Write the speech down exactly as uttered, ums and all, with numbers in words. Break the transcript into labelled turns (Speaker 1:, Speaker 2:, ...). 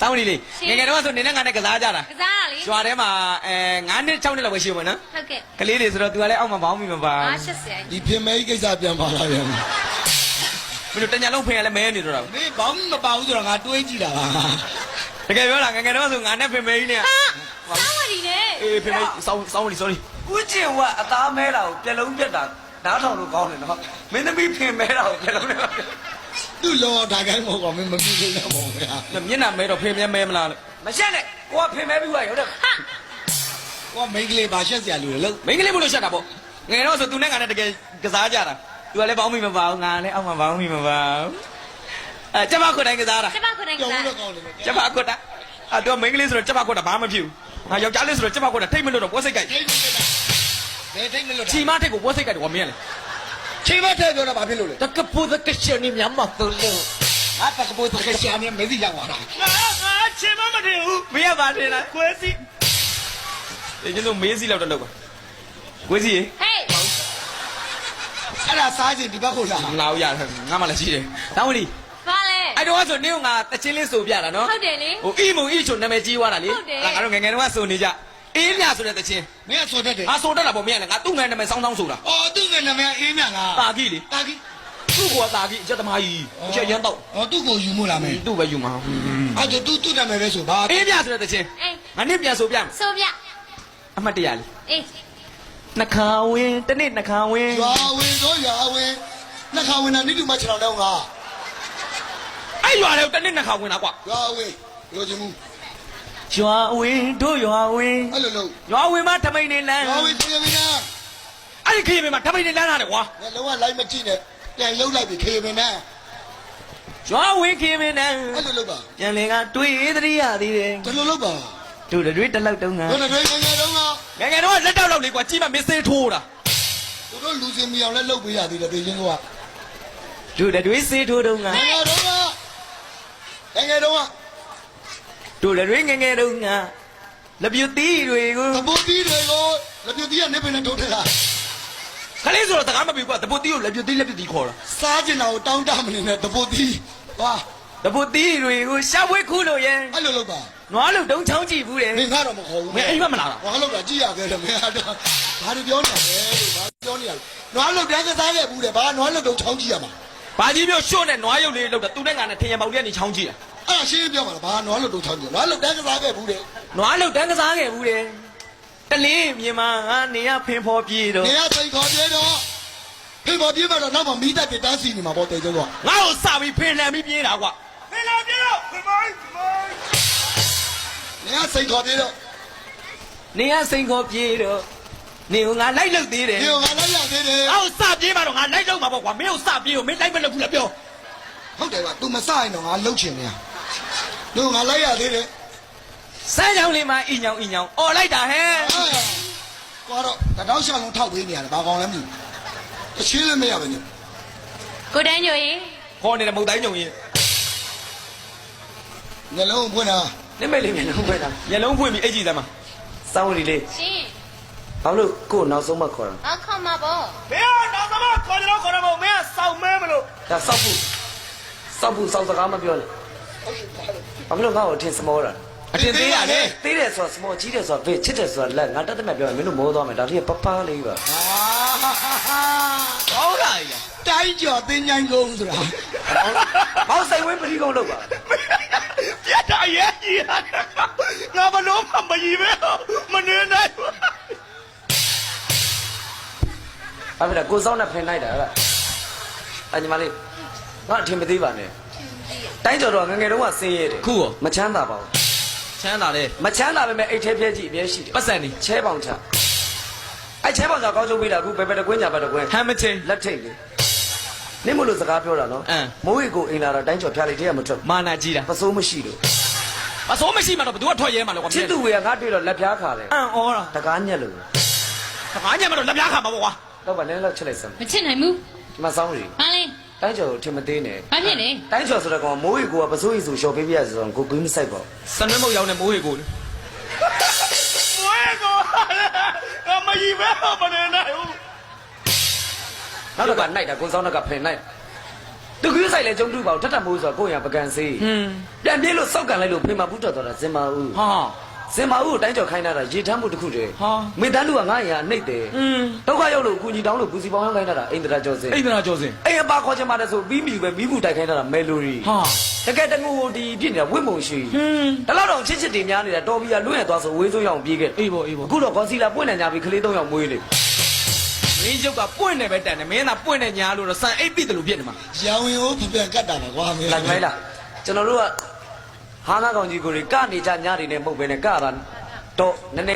Speaker 1: စောင်းလီလေးငယ်ငယ်တော့ဆိုနေနဲ့ငါနဲ့ကစားကြတာ
Speaker 2: ကစားတာလေ
Speaker 1: ကျွာထဲမှာအဲငါးနှစ်၆နှစ်လောက်ပဲရှိမှာနော်
Speaker 2: ဟုတ်ကဲ့
Speaker 1: ကလေးတွေဆိုတော့ तू ကလည်းအောက်မှာဘောင်းမိမပါ
Speaker 2: အားရှစ်ဆယ်
Speaker 3: ဒီပြင်မဲကြီးကိစ္စပြန်ပါလာပြန်
Speaker 1: မင်းတို့တညာလုံးဖင်ရလဲမဲနေတော့တာ
Speaker 3: မင်းဘောင်းမပါဘူးဆိုတော့ငါတွေးကြည့်တာပါ
Speaker 1: တကယ်ပြောတာငယ်ငယ်တော့ဆိုငါနဲ့ဖင်မဲကြီးနဲ့
Speaker 2: ဟာစောင်းဝတီနဲ့
Speaker 1: အေးဖင်မဲစောင်းစောင်းလီ sorry
Speaker 4: ဦးကျင်ကအသားမဲတာကိုပြက်လုံးပြက်တာနားထောင်လို့ကောင်းတယ်နော်မင်းသမီးဖင်မဲတာကိုပြက်လုံးနဲ့
Speaker 3: သူ့လောဒါကိုင်းမဟုတ်ပါမင်းမပြီးသေးတော့ပါဗျာ
Speaker 1: မျက်နှာမဲတော့ဖင်မဲမဲမလားလို့
Speaker 4: မရှက်နဲ့ကိုကဖင်မဲပြီးွားရောက်တယ်
Speaker 2: ဟာ
Speaker 3: ကိုကမိန်းကလေးပါရှက်စရာလူလေလို့
Speaker 1: မင်းကလေးမလို့ရှက်တာပေါ့ငယ်တော့ဆို तू နဲ့ငါနဲ့တကယ်ကစားကြတာ तू ကလည်းဘောင်းမိမပါဘူးငါလည်းအောက်မှာဘောင်းမိမပါဘူးအဲကျမခွတ်တိုင်းကစားတာ
Speaker 2: ကျမခုနိုင်က
Speaker 3: ကြောင်
Speaker 2: စား
Speaker 3: လို့ကောင်းတယ်
Speaker 1: ကျမခွတ်တာအဲ तू မင်းကလေးဆိုတော့ကျမခွတ်တာဘာမှမဖြစ်ဘူးငါယောက်ျားလေးဆိုတော့ကျမခွတ်တာထိတ်မလို့တော့ပွဲစိတ်ကြိုက်
Speaker 3: ထိတ်မလို့ဘယ်ထိတ်မလို့
Speaker 1: ချီမထိတ်ကိုပွဲစိတ်ကြိုက်တယ်ကွာမင်းကလေ
Speaker 3: ချိန်မထဲပြောတာဘာဖြစ်လို့လဲ
Speaker 1: တကပူတကရှင်နေမြတ်မတော်လို့
Speaker 3: ငါတကပိုးတကယ်ရှာနေမေးစီရောက်လာတာ
Speaker 1: ငါငါချင်မမတင်ဘူးမင်းကပါတင်လားကွဲစီဒီကျတော့မေးစီလောက်တော့လောက်ပါကွဲစီရေ
Speaker 2: ဟေး
Speaker 3: အဲ့ဒါစားချင်းဒီဘက်ကိုလာ
Speaker 1: ငါ့ရတယ်ငါမှလည်းရှိတယ်တောင်းဝင်လီ
Speaker 2: ဘာလဲ
Speaker 1: အဲ့တော့ဆိုနင်းကငါတချင်းလေးဆိုပြတာနော်
Speaker 2: ဟုတ်တယ်လေ
Speaker 1: ဟိုအီမုံအီချိုနာမည်ကြီးသွားတာလေ
Speaker 2: ဟုတ်တယ်
Speaker 1: ငါတို့ငယ်ငယ်တုန်းကဆိုနေကြအေးမြဆိုတဲ့တချင်း
Speaker 3: မင်းကဆိုတတ်တယ်
Speaker 1: ငါဆိုတတ်တာပေါ့မင်းကလည်းငါသူ့ငယ်နာမည်စောင်းစောင်းဆိုတာ
Speaker 3: အော်သူ့ငယ်နာမည်အေးမြလား
Speaker 1: တာကြီးလေ
Speaker 3: တာကြီး
Speaker 1: သူ့ကောတာကြီးအချက်သမားကြီးအချက်ရမ်းတော့
Speaker 3: အော်သူ့ကိုယူမို့လားမင်း
Speaker 1: သူ့ပဲယူမှာ
Speaker 3: အဲ့ဒါသူ့သူ့နာမည်ပဲဆိုဘာ
Speaker 1: အေးမြဆိုတဲ့တချင်း
Speaker 2: အေး
Speaker 1: ငါနင်းပြန်ဆိုပြမယ်
Speaker 2: ဆိုပြ
Speaker 1: အမှတ်တရလေး
Speaker 2: အေး
Speaker 1: နှခါဝင်းတနေ့နှခါဝင်း
Speaker 3: ရွာဝင်တော့ရွာဝင်နှခါဝင်တာနိတူမချောင်းတော့ငါ
Speaker 1: အဲ့ရွာလေတနေ့နှခါဝင်းတာကွာ
Speaker 3: ရွာဝင်လိုချင်မှု
Speaker 1: ရွာဝင်းတို့ရွာဝင်း
Speaker 3: အဲ့လိုလို့
Speaker 1: ရွာဝင်းမှာထမိန်နေလန်း
Speaker 3: ရွာဝင်ခေမင်းနာ
Speaker 1: အဲ့ဒီခေမင်းမှာထမိန်နေလန်းလာတယ်ကွာ
Speaker 3: ငါလုံးဝလိုက်မကြည့်နဲ့ပြန်လှုပ်လိုက်ပြီခေမင်းနာ
Speaker 1: ရွာဝင်းခေမင်းနဲ့
Speaker 3: အဲ့လိုလုပ်ပါ
Speaker 1: ပြန်လင်ကတွေ့သတိရသေးတယ်
Speaker 3: ဒီလိုလုပ်ပါ
Speaker 1: တို့တွေတလောက်တုံးက
Speaker 3: တို့တွေငယ်ငယ်တုန်းက
Speaker 1: ငယ်ငယ်တော့လက်တော့လောက်လေးကွာကြီးမမစ်စေးထိုးတာ
Speaker 3: သူတို့လူစင်မီအောင်လဲလုပ်ပေးရသေးတယ်ပြည်ချင်းက
Speaker 1: တို့တွေစေးထိုးတုံးက
Speaker 3: ငယ်ငယ်တုန်းကငယ်ငယ်တုန်းက
Speaker 1: တို့တွေငယ်ငယ်တုံးကလက်ပြူတီးတွေကို
Speaker 3: သဘောတီးတွေကိုလက်ပြတီးကနေပင်နဲ့ထုတ်ထက်တာ
Speaker 1: ခလေးဆိုတော့တကားမပြီးကွာတပုတ်တီးကိုလက်ပြူတီးလက်ပြူတီးခေါ်တာ
Speaker 3: စားကျင်တာကိုတောင်းတမနေနဲ့သဘောတီးဟာ
Speaker 1: တပုတ်တီးတွေကိုရှာဖွေခုလို့ရဲ့
Speaker 3: အဲ့လိုလုပ်ပါ
Speaker 1: နွားလို့တုံးချောင်းကြည့်ဘူးတယ်
Speaker 3: မင်းကတော့မခေါ်ဘူး
Speaker 1: မင်းအိမ်မမလာတာ
Speaker 3: ဘာလို့တော့ကြည့်ရခဲ့တယ်မင်းကတော့ဘာလို့ပြောနေလဲဘာပြောနေရလဲနွားလုတ်တန်းကစားခဲ့ဘူးတယ်ဘာနွားလုတ်တော့ချောင်းကြည့်ရမှာ
Speaker 1: ဘာကြီးပြောရှော့နဲ့နွားရုပ်လေးလောက်တာသူနဲ့ငါနဲ့ထင်ရပေါက်တဲ့နေချောင်းကြည့်တာ
Speaker 3: အဲ့ဒါရှင်းပြောပါလားဘာနွားလုတ်တော့ချောင်းကြည့်နွားလုတ်တန်းကစားခဲ့ဘူးတယ်
Speaker 1: နွားလို့တန်းကစားခဲ့ဘူးတယ်တလင်းမြေမှာငါနေရဖင်ဖော်ပြေတော့
Speaker 3: နေရစိတ်ခေါ်ပြေတော့ဖေပေါ်ပြေးမှတော့နောက်မှမိသက်တန်းစီနေမှာပေါ့တေကျုံတော့
Speaker 1: ငါ့ကိုစပြီးဖင်လန်ပြီးပြေးတာကွာဖင်လန်ပြေးတော့ဖင်မိုင်းဖင်မိုင်း
Speaker 3: နေရစိတ်ခေါ်ပြေတော့
Speaker 1: နေရစိန်ခေါ်ပြေးတော့နေကငါလိုက်လို့သေးတယ်
Speaker 3: ဒီကလည်းရသေးတယ်
Speaker 1: ငါ့ကိုစပြေးမှတော့ငါလိုက်လို့မှာပေါ့ကွာမင်းကိုစပြေးကိုမင်းလိုက်မလို့ဘူးလားပြော
Speaker 3: ဟုတ်တယ်က तू မစရင်တော့ငါလှုပ်ချင်နေရတို့ငါလိုက်ရသေးတယ်
Speaker 1: စမ်းချောင်းလေးမှာအင်းညောင်အင်းညောင်អော်လိုက်တာဟဲ့
Speaker 3: ကွာတော့တတောက်ရှောင်းလုံးထောက်ပေးနေရတယ်ဘာကောင်းလဲမသိဘူးအချင်းလည်းမရပါနဲ့
Speaker 2: ကိုတန်းညိုရင်
Speaker 1: ခေါ်နေတဲ့မုတ်တိုင်းညုံရင်
Speaker 3: ငလုံးဖွင့်တာ
Speaker 4: နိမိတ်လေးမျက်လုံးဖွင့်တာ
Speaker 1: မျက်လုံးဖွင့်ပြီးအိတ်ကြည့်သမ်းမှာ
Speaker 4: စောင်းရီလေး
Speaker 2: ရှင်
Speaker 4: ဘာလို့ကို့နောက်ဆုံးမှခေါ်တာ
Speaker 2: အခါမှာပေါ့
Speaker 1: မင်းကတော့သမခေါ်ကြတော့ခေါ်တော့မင်းကစောက်မဲမလို့
Speaker 4: ဒါစောက်ဖို့စောက်ဖို့စောက်စကားမပြောနဲ့ဘာလို့ငါ့ကိုအထင်စမောတာ
Speaker 1: အတင်သေးရလေ
Speaker 4: သေးတယ်ဆိုတာစမောကြီးတယ်ဆိုတာဘေးချစ်တယ်ဆိုတာလက်ငါတက်တက်မဲ့ပြောရင်မင်းတို့မိုးသွားမယ်ဒါလေးပပလေးပါ
Speaker 3: ဟာ
Speaker 1: ဟောလာရ
Speaker 3: တိုင်းကျော်တင်းញိုင်းကုန်ဆိုတာ
Speaker 4: မောက်ဆိုင်ဝင်းပတိကုန်းလောက်ပါ
Speaker 1: ပြတ်တာရဲ့ကြီးငါဘလို့မှမကြီးပဲမနေနိုင်ဘူး
Speaker 4: ဘာဖြစ်လဲကိုစောင်းနဲ့ဖင်လိုက်တာဟဲ့အညီမလေးငါအထင်မသေးပါနဲ့တိုင်းကျော်တော့ငငယ်တုန်းကဆင်းရဲတယ်
Speaker 1: ခုရော
Speaker 4: မချမ်းသာပါဘူး
Speaker 1: ချမ်းသာလေ
Speaker 4: မချမ်းသာပဲမဲ့အိတ်ထဲပြဲကြည့်အပြဲရှိတယ်
Speaker 1: ပတ်စံနေ
Speaker 4: ချဲပေါင်ချအဲ့ချဲပေါင်ချကောင်းချုပ်ပေးတာအခုဘယ်ဘက်တကွင်းညာဘက်တကွင်း
Speaker 1: ဟမ်မချင်း
Speaker 4: လက်ထိတ်လေနေမလို့စကားပြောတာနော်
Speaker 1: အင်း
Speaker 4: မိုးရီကိုအိမ်လာတော့တိုင်းကျော်ဖျားလေးတည်းကမထွက်ဘူး
Speaker 1: မာနာကြီးတာ
Speaker 4: ပစိုးမရှိလို့
Speaker 1: အစိုးမရှိမှတော့ဘသူကထွက်ရဲမှာလဲကွာ
Speaker 4: ချစ်သူဝေကငါတွေ့တော့လက်ဖျားခါတယ်
Speaker 1: အန်ဩတာ
Speaker 4: တကားညက်လို့
Speaker 1: တခါညမှာတော့လက်ပြားခါမှာပေါ့ကွာ
Speaker 4: တော့ဗနည်းလောက်ချစ်လိုက်စမ်း
Speaker 2: မချစ်နိုင်ဘူး
Speaker 4: ဒီမှာစောင်းရီ
Speaker 2: ဘာလဲ
Speaker 4: တိုင်းကျော်ကိုထင်မသေးနဲ့
Speaker 2: ဘာဖြစ်လဲ
Speaker 4: တိုင်းကျော်ဆိုတော့ကောင်မိုးရီကိုကပစိုးရီဆိုလျှော်ပေးပြရဆိုတော့ကိုကွေးမဆိုင်ပါဘူး
Speaker 1: စနွဲမုတ်ရောက်နေမိုးရေကိုလေမိုးရေကိုအမကြီးပဲမနေနိုင်ဘူး
Speaker 4: နောက်တော့ကနိုင်တာကိုစောင်းတော့ကဖင်နိုင်
Speaker 1: ဟ
Speaker 4: သူကဆိုင်လေကျုံတူပါထထမိုးဆိုတော့ကိုရပကံစေး
Speaker 1: ဟင်း
Speaker 4: ပြန်ပြေးလို့စောက်ကန်လိုက်လို့ဖေမဘူးတော်တော်တာစင်မာဦး
Speaker 1: ဟာ
Speaker 4: စင်မာဦးကိုတိုင်းကျော်ခိုင်းတာရေထမ်းမှုတစ်ခုတည်း
Speaker 1: ဟာ
Speaker 4: မေတန်းလူကငါ့ရာနှိပ်တယ်
Speaker 1: ဟင်း
Speaker 4: ဒုက္ခရောက်လို့ကူညီတောင်းလို့ပူစီပေါင်းရောက်ခိုင်းတာအိန္ဒြာကျော်စင်
Speaker 1: အိန္ဒြာကျော်စင်
Speaker 4: အိမ်အပါခေါ်ချင်ပါတယ်ဆိုပြီးပြီပဲမိမှုတိုက်ခိုင်းတာမဲလိုရီ
Speaker 1: ဟာ
Speaker 4: တကယ်တငူဒီပြစ်နေတာဝိမုံရှိ
Speaker 1: ဟင်း
Speaker 4: ဒါတော့တော့ချစ်ချစ်တင်များနေတာတော်ပြီးရလွင့်ရသွားဆိုဝေးစိုးရအောင်ပြေးခဲ့
Speaker 1: အေးပေါ့အေးပေါ့
Speaker 4: အခုတော့ကွန်စီလာပွင့်နေကြပြီကလေးသုံးယောက်မွေးနေ
Speaker 1: မင်းရုပ်ကပွင့်နေပဲတန်တယ်မင်းသာပွင့်နေညာလို့တော့စံအိပ်ပိတယ်လို့ဖြစ်နေမှာ
Speaker 3: ရောင်ရင်ဟိုပြပြန်ကတ်တာပါကွာမင်း
Speaker 4: လာကြိုင်းလားကျွန်တော်တို့ကဟာနာကောင်ကြီးကိုတွေကနေကြညတွေနဲ့မဟုတ်ပဲနဲ့ကတာတော့နည်းနည်း